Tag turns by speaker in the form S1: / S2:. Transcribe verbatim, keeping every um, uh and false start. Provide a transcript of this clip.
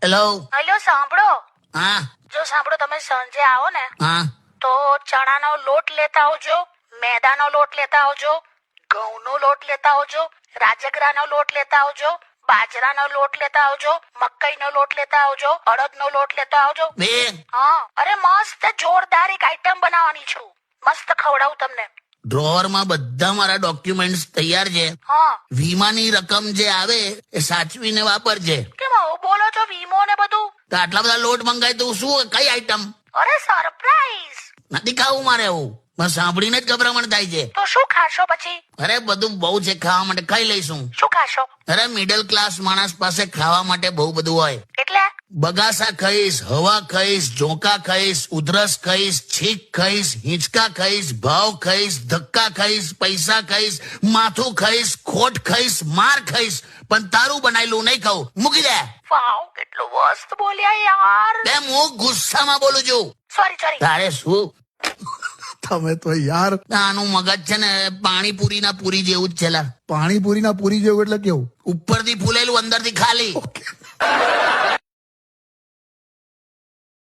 S1: Hello.
S2: Hello, સાંભળો.
S1: હા
S2: જો સાંભળો, તમે સાંજે આવો ને
S1: હા
S2: તો ચણાનો લોટ લેતા આવજો, મેદાનો લોટ લેતા આવજો, ઘઉંનો લોટ લેતા આવજો, રાજગરાનો લોટ લેતા આવજો, બાજરાનો લોટ લેતા આવજો, મકાઈનો લોટ લેતા આવજો, અડદનો લોટ લેતા આવજો.
S1: બેન,
S2: હા, અરે મસ્ત જોરદાર એક આઈટમ બનાવવાની છું. મસ્ત ખવડાવું તમને.
S1: ડ્રોવર માં બધા મારા ડોક્યુમેન્ટ્સ તૈયાર છે.
S2: હા,
S1: વીમાની રકમ જે આવે એ સાચવીને વાપરજે.
S2: કેમ આવું બોલો છો? વીમો ને બધું?
S1: તો આટલા બધા લોટ મંગાય તો શું કઈ આઈટમ
S2: અરે સરપ્રાઈઝ.
S1: નથી ખાવું મારે. એવું મને સાંભળીને જ ગભરામણ થાય છે.
S2: તો શું ખાશો પછી?
S1: અરે બધું બહુ છે ખાવા માટે, ખાઈ લઈશું.
S2: શું ખાશો?
S1: અરે મિડલ ક્લાસ માણસ પાસે ખાવા માટે બહુ બધું હોય.
S2: એટલે
S1: બગાસા ખાઈશ, હવા ખાઈશ, ઝોંકા ખાઈશ, ઉધરસ ખાઈશ, છીક ખાઈશ, હિંચકા ખાઈશ, ભાવ ખાઈશ, ધક્કા ખાઈશ, પૈસા ખાઈશ, માથું ખાઈશ, ખોટ ખાઈશ, માર ખાઈશ, પણ તારું બનાયેલું નહીં ખાવું. મૂકી દે.
S2: વાવ, કેટલું મસ્ત બોલ્યા યાર.
S1: બે હું ગુસ્સામાં બોલું છું.
S2: Sorry sorry.
S1: તારે શું?
S3: તમે તો યાર
S1: આનું મગજ છે ને પાણીપુરી ના પૂરી જેવું જ છે લા.
S3: પાણીપુરી ના પૂરી જેવું એટલે કેવું?
S1: ઉપરથી ફૂલેલું અંદરથી ખાલી.
S3: ઓકે